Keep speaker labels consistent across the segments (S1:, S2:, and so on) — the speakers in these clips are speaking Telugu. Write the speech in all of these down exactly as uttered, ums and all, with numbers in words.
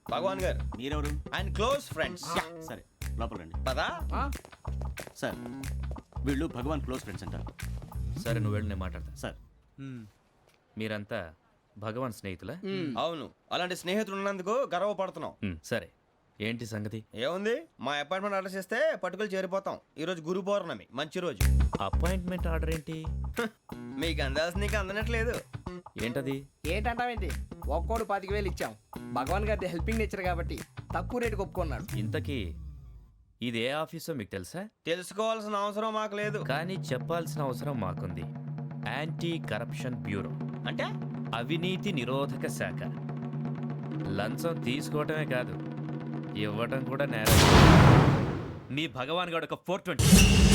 S1: భగవాన్ గారు
S2: మీరెవరు?
S1: ఆయన క్లోజ్ ఫ్రెండ్స్.
S2: సరే లోపల రండి.
S1: పదా
S2: సార్ వీళ్ళు భగవాన్ క్లోజ్ ఫ్రెండ్స్ అంటారు.
S3: సరే నువ్వు వెళ్ళి నేను మాట్లాడతా.
S2: సార్
S3: మీరంతా భగవాన్ స్నేహితులా?
S1: అవును, అలాంటి స్నేహితులు ఉన్నందుకు గర్వపడుతున్నాం.
S3: మ్, సరే ఏంటి సంగతి?
S1: ఏముంది, మా అపాయింట్మెంట్ ఆర్డర్ చేస్తే పట్టుకులు చేరిపోతాం. ఈ రోజు గురు పౌర్ణమి, మంచి రోజు.
S3: అపాయింట్మెంట్ ఆర్డర్ ఏంటి?
S1: మీకు అందాల్సిన నీకు అందనట్లేదు.
S3: ఏంటది?
S4: ఏంటంటావేంటి? ఒక్కోడు పాతిక వేలు ఇచ్చాం. భగవాన్ గారి హెల్పింగ్ నేచర్ కాబట్టి తక్కువ రేటుకి ఒప్పుకున్నాడు.
S3: ఇంతకీ ఇది ఏ ఆఫీసో మీకు తెలుసా?
S1: తెలుసుకోవాల్సిన అవసరం మాకు లేదు.
S3: కానీ చెప్పాల్సిన అవసరం మాకుంది. యాంటీ కరప్షన్ బ్యూరో
S1: అంటే
S3: అవినీతి నిరోధక శాఖ. లంచం తీసుకోవటమే కాదు, ఇవ్వటం కూడా నేరం. మీ భగవాన్ గారు ఒక ఫోర్ ట్వంటీ.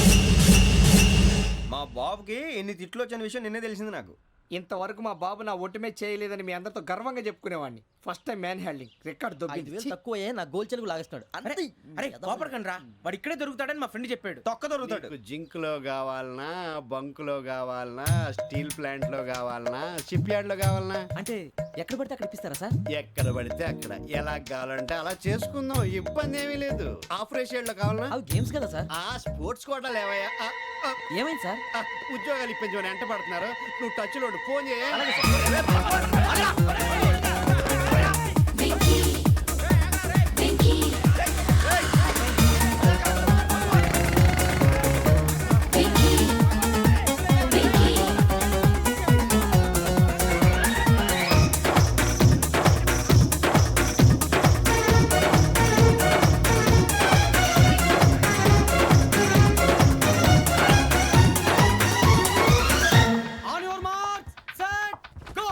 S1: మా బాబుకి ఎన్ని తిట్లు వచ్చిన విషయం నిన్నే తెలిసింది నాకు.
S4: ఇంతవరకు మా బాబు నా ఒట్టుమే చేయలేదని మీ అందరితో గర్వంగా చెప్పుకునేవాడిని. First time man handing record దొబ్బింది.
S5: తక్కువే నా గోల్ చెలుగు లాగేస్తున్నాడు.
S6: అరే అరే కోపడకండి రా, వాడు ఇక్కడే దొరుకుతాడని మా ఫ్రెండ్ చెప్పాడు.
S1: తొక్క దొరుకుతాడు.
S7: నీకు జింక్ లో కావాలనా, బంక్ లో కావాలనా, స్టీల్ ప్లాంట్ లో కావాలనా, షిప్ యార్డ్ లో కావాలనా,
S5: అంటే ఎక్కడ పడితే అక్కడ ఇప్పిస్తారా సార్?
S7: ఎక్కడ పడితే అక్కడ ఎలా కావాలంటే అలా చేసుకుందాం. ఇబ్బంది ఏమీ లేదు. ఆపరేషన్ లో కావాలనా,
S5: అవి గేమ్స్ కదా సార్.
S7: ఆ స్పోర్ట్స్ కోటా లేవయ్యా. ఆ, ఆ,
S5: ఏమైంది సార్?
S7: ఆ, ఉద్యోగాలు ఇప్పించమని ఎంట పడుతున్నారు. నువ్వు టచ్ లో ఫోన్ చేయ.
S6: On your marks set go.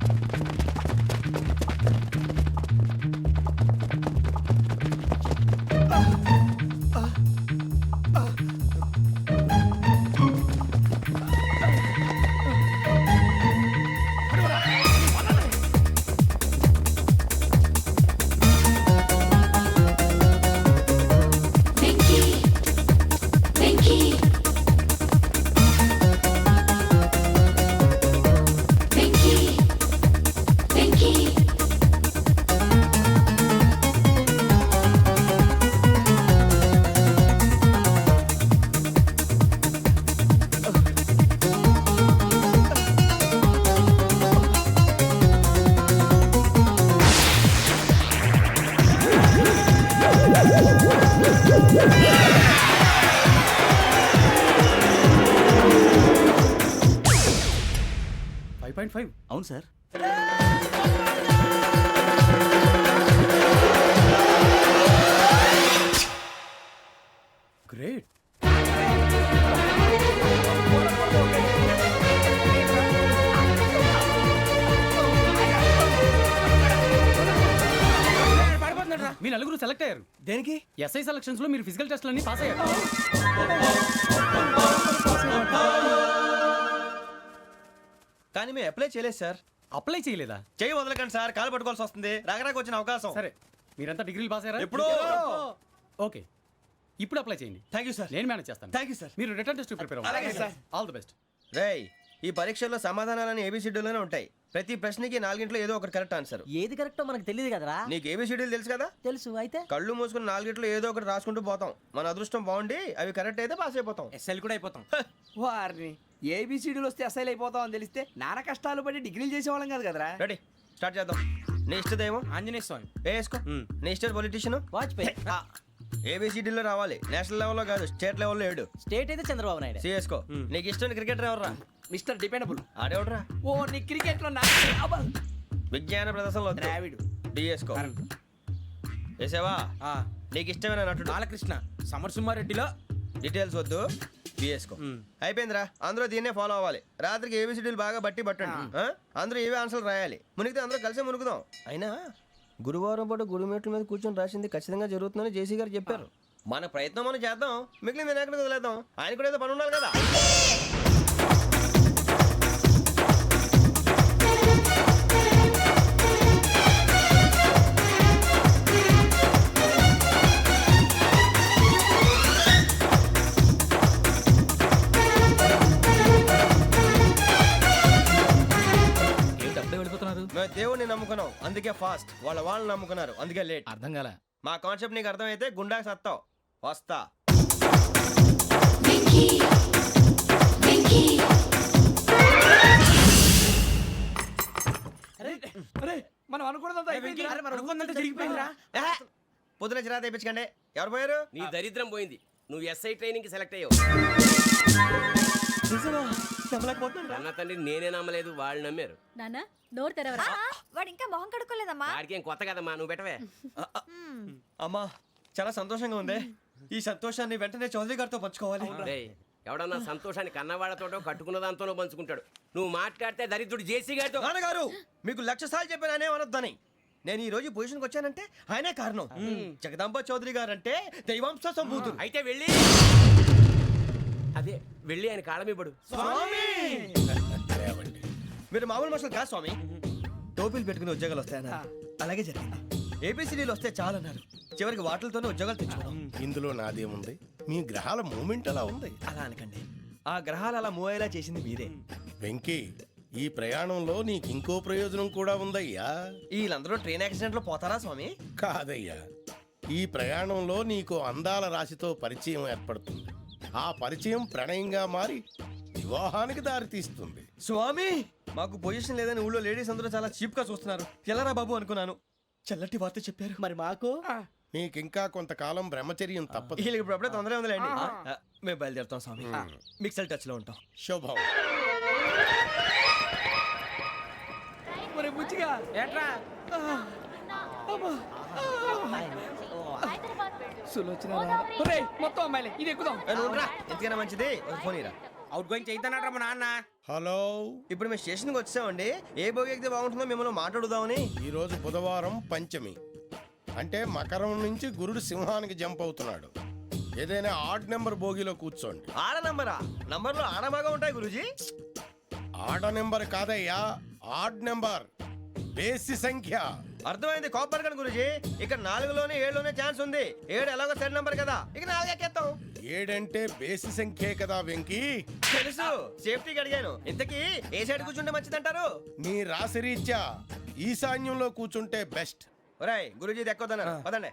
S6: Five point five.
S2: అవును సార్.
S6: గ్రేట్. మీ నలుగురు సెలెక్ట్ అయ్యారు.
S1: దేనికి?
S6: ఎస్ఐ సెలక్షన్స్ లో మీరు ఫిజికల్ టెస్ట్లన్నీ పాస్ అయ్యారు.
S1: కానీ మేము అప్లై చేయలేదు సార్.
S6: అప్లై చేయలేదా?
S1: చేయి వదలకండి సార్, కాలు పట్టుకోవాల్సి వస్తుంది. రాగరాకు వచ్చిన అవకాశం.
S6: సరే మీరంతా డిగ్రీలు పాస్ అయ్యారా?
S1: ఎప్పుడో.
S6: ఓకే, ఇప్పుడు అప్లై చేయండి.
S1: Thank you sir.
S6: నేను మేనేజ్ చేస్తాను.
S1: Thank you sir.
S6: మీరు రిటర్న్ టెస్ట్ ప్రిపేర్
S1: అలాగే
S6: అవ్వండి.
S1: సార్.
S6: All the best.
S1: రేయ్, ఈ పరీక్షల్లో సమాధానాలని ఏబిసిడ్యూల్లోనే ఉంటాయి. ప్రతి ప్రశ్నకి నాలుగింట్లో ఏదో ఒకటి కరెక్ట్ ఆన్సర్.
S5: ఏది కరెక్టో మనకు తెలియదు కదరా.
S1: నీకు ఏబిసిడ్యూల్ తెలుసు కదా?
S5: తెలుసు. అయితే
S1: కళ్ళు మూసుకుని నాలుగింట్లో ఏదో ఒకటి రాసుకుంటూ పోతాం. మన అదృష్టం బాగుండి అవి కరెక్ట్ అయితే పాస్ అయిపోతాం.
S6: ఎస్ఎల్ కూడా అయిపోతాం.
S4: వారిని ఏబిసిడీలు వస్తే అసైల్ అయిపోతాం అని తెలిస్తే నాన్న కష్టాలు పడి డిగ్రీలు చేసేవాళ్ళం కాదు కదరా.
S1: రెడీ, స్టార్ట్ చేద్దాం. నీ ఇష్టదేమో
S6: ఆంజనేయ స్వామి.
S1: వేసుకో. నీ ఇష్ట పొలిటీషియన్
S5: వాజ్పేయి.
S1: ఏబిసిడీలో రావాలి. నేషనల్ లెవెల్లో కాదు, స్టేట్ లెవెల్లో ఏడు.
S5: స్టేట్ అయితే చంద్రబాబు నాయుడు.
S1: సిఎస్కో. నీకు ఇష్టం క్రికెటర్ ఎవర్రా?
S4: Mister dependable.
S1: ఆడేవడరా?
S4: ఓ నీ క్రికెట్ లో నా
S1: విజ్ఞాన ప్రదర్శనలో
S4: ద్రావిడు.
S1: డిఎస్కో. వేసావా? నీకు ఇష్టమైన నటుడు?
S6: బాలకృష్ణ. సమర్ సుమారెడ్డిలో
S1: డీటెయిల్స్ వద్దు, బిఎస్కో. అయిపోయిందిరా, అందరూ దీన్నే ఫాలో అవ్వాలి. రాత్రికి ఏబిసిడీలు బాగా బట్టి పట్టండి. ఆ? అందరూ ఏవే ఆన్సర్లు రాయాలి. మునిగితే అందరూ కలిసి మునుగుదాం. అయినా గురువారం పాటు గురుమేట్ల మీద కూర్చొని రాసింది ఖచ్చితంగా జరుగుతుందని జేసీ గారు చెప్పారు. మన ప్రయత్నం మనం చేద్దాం, మిగిలింది నేను ఎక్కడికి వదిలేద్దాం. ఆయన కూడా ఏదో పని ఉండాలి కదా.
S3: ఏంటి అప్పుడే వెళ్ళిపోతున్నారు?
S8: నమ్ముకున్నారు
S1: మేము దేవుడిని నమ్ముకున్నాం అందుకే ఫాస్ట్ వాళ్ళ వాళ్ళు నమ్ముకున్నారు అందుకే లేట్
S8: అర్థం కాలే
S1: మా కాన్సెప్ట్ నీకు అర్థమైతే గుండాకి సత్తావు వస్తా
S4: అరే మనం అనుకున్నదంతా అయిపోయింది.
S6: అరే మరి అనుకుందంటే జరిగిపోయిందిరా.
S1: ఏహే, పొద్దున చిరా తెప్పించకండి ఎవరు పోయారు
S9: నీ దరిద్రం పోయింది నువ్వు ఎస్ఐ ట్రైనింగ్ కి సెలెక్ట్ అయ్యావు అన్న తండ్రి నేనే నమ్మలేదు వాళ్ళు నమ్మారు
S10: నానా నోరు తెరవరా వాడు ఇంకా మొహం కడుక్కోలేదమ్మా
S9: వాడికి ఏం కొత్త కదమ్మా నువ్వు పెట్టవే
S1: అమ్మా చాలా సంతోషంగా ఉంది ఈ సంతోషాన్ని వెంటనే చౌదరి గారితో పంచుకోవాలి
S9: డేయ్, ఎవడన్నా సంతోషాన్ని కన్నవాళ్లతోటో కట్టుకున్న దాంతోనో పంచుకుంటాడు నువ్వు మాట్లాడితే దరిద్రుడు జేసీ గారితో
S1: నాన్నగారు మీకు లక్ష సార్లు చెప్పాను అనే అనొద్దని నేను ఈ రోజు పొజిషన్కి వచ్చానంటే ఆయనే కారణం జగదాంబ చౌదరి గారు అంటే దైవాంశ సంభూతుడు
S9: అయితే వెళ్ళి అదే వెళ్ళి ఆయన కాళమివ్వడు
S1: మీరు మామూలు మనుషులు కాదు స్వామి టోపీలు పెట్టుకుని ఉద్యోగాలు వస్తాయన్నారు అలాగే జరిగింది ఏపీసీడీలు వస్తే చాలన్నారు చివరికి వాటిలతోనే ఉద్యోగాలు తెచ్చుకున్నాం
S11: ఇందులో నాదేముంది మీ గ్రహాల మూమెంట్ అలా ఉంది.
S1: అలా అనకండి ఆ గ్రహాలు అలా మూవ్ అయ్యేలా చేసింది మీరే
S11: వెంకీ ఈ ప్రయాణంలో నీకు ఇంకో ప్రయోజనం కూడా ఉందయ్యా.
S1: వీళ్ళందరూ ట్రైన్ యాక్సిడెంట్ లో పోతారా స్వామి
S11: కాదయ్యా, ఈ ప్రయాణంలో నీకు అందాల రాశితో పరిచయం ఏర్పడుతుంది. ఆ పరిచయం ప్రణయంగా మారి వివాహానికి దారితీస్తుంది.
S1: స్వామి మాకు పొజిషన్ లేదని ఊళ్ళో లేడీస్ అందరూ చాలా చీప్ గా చూస్తున్నారు ఎలారా బాబు అనుకున్నాను చల్లటి వార్త చెప్పారు
S5: మరి మాకు
S11: నీకింకా కొంతకాలం బ్రహ్మచర్యం తప్పదు.
S1: వీళ్ళకి ఇప్పుడు అప్పుడే తొందరగా ఉందిలేండి ఆ, మేము బయలుదేరుతాం స్వామి మిక్సల్ టచ్ లో ఉంటాం
S11: శుభం.
S4: మరి బుచ్చిగా
S6: ఏట్రా
S4: సులోచన రాదా? ఒరేయ్, మొత్తం అమ్మాయిలే ఇది ఎక్కుదాం.
S1: ఏ, నువ్వు రా. ఎందుకైనా మంచిది ఒక ఫోన్ ఇరా
S6: అవుట్ గోయింగ్ చేద్దానట్రా మా నాన్న.
S11: హలో,
S1: ఇప్పుడు మేము స్టేషన్కి వచ్చామండి ఏ బోగి ఎక్కితే బాగుంటుందో మిమ్మల్ని మాట్లాడుదామని
S11: ఈరోజు బుధవారం పంచమి అంటే మకరం నుంచి గురుడు సింహానికి జంప్ అవుతున్నాడు. ఏదైనా ఆడ్ నెంబర్ బోగిలో కూర్చోండి.
S1: ఆడ నంబరా నంబర్లో ఆడ బాగా ఉంటాయి గురూజీ
S11: ఆడ నెంబర్ కాదయ్యా, ఆడ్ నెంబర్ బేసి సంఖ్య.
S1: అర్థమైంది కాపర్ కానీ గురూజీ ఇక్కడ నాలుగులోనే ఏడులోనే ఛాన్స్ ఉంది ఏడు ఎలాగో సెడ్ నంబర్ కదా ఇక నాలుగు ఎక్కేస్తాం
S11: ఏడంటే బేసి సంఖ్యే కదా వెంకీ.
S1: తెలుసు సేఫ్టీకి అడిగాను ఇంతకీ ఏ సైడ్ కూర్చుంటే మంచిదంటారు
S11: నీ రాశి రీత్యా ఈశాన్యంలో కూర్చుంటే బెస్ట్.
S1: ఒరాయ్ గురూజీ దెక్కొద్దన్నారు పదండి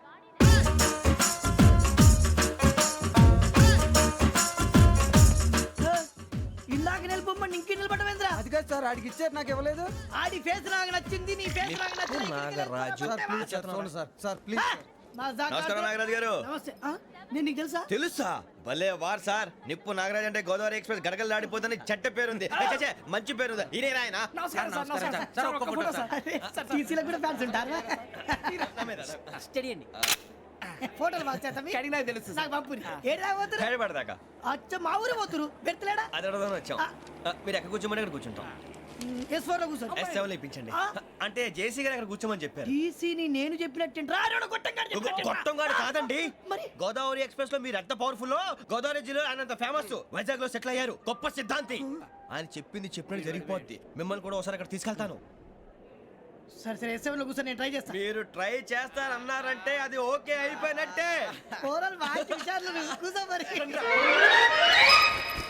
S5: ఇందాక నిలబొమ్మని ఇంకే నిలబడమేంద్రా
S4: అది కాదు సార్ ఆడికి ఇచ్చారు నాకు ఇవ్వలేదు.
S5: ఆడి ఫేస్ నాకు నచ్చింది నీ ఫేస్ నాకు నచ్చింది
S1: నాగరాజు
S4: సార్ సార్ ప్లీజ్
S1: నమస్కారం నాగరాజు గారు
S5: నమస్తే ఆ, నేను నీకు తెలుసా
S1: తెలుసా భలే వార్ సార్ నిప్పు నాగరాజ్ అంటే గోదావరి ఎక్స్ప్రెస్ గడగలు దాడిపోతుంది చెట్ట పేరుంది ఏ, ఛే, ఛే, మంచి పేరు ఇదే ఆయన
S4: నమస్కారం సార్ నమస్కారం సార్. సార్ ఒక్క ఫోటో సార్.
S5: అరే, టీసీలో కూడా ఫ్యాన్స్ ఉంటారా స్టడీ అండి ఫోటోలు పాస్ చేస్తాం
S4: కడిగి నాకు తెలుసు సార్.
S5: నాకు పంపుని ఏడు రాబోతురు
S1: హైదరాబాద్
S5: అచ్చ మా ఊరు పోతురు పెడతలేడా
S1: అది అడగదామని వచ్చాం ఆ, మీరు ఎక్కడ కూర్చోమని అక్కడ కూర్చుంటాం
S5: ఎస్ ఫోర్ లో కూర్చో
S1: ఎస్ సెవెన్ ఇప్పించండి
S5: ఆ.
S1: అంటే జేసీ గారు అక్కడ కూర్చోమని చెప్పారు
S5: టీసీని నేను చెప్పినట్టు రాడు
S1: గొప్పం గారు కాదండి
S5: మరి?
S1: గోదావరి ఎక్స్ప్రెస్ లో మీరు ఎంత పవర్ఫుల్ గోదావరి జిల్లా ఆయన అంత ఫేమస్ వైజాగ్ లో సెటిల్ అయ్యారు గొప్ప సిద్ధాంతి ఆయన చెప్పింది చెప్పినట్టు జరిగిపోద్ది మిమ్మల్ని కూడా ఒకసారి అక్కడ తీసుకెళ్తాను
S5: సరే సరే ఎస్ సెవెన్ లో కూర్చో నేను ట్రై చేస్తాను
S1: మీరు ట్రై చేస్తారన్నారంటే అది ఓకే అయిపోయినట్టే
S5: కూరలు బాగా చూసారు కూర్చో మరి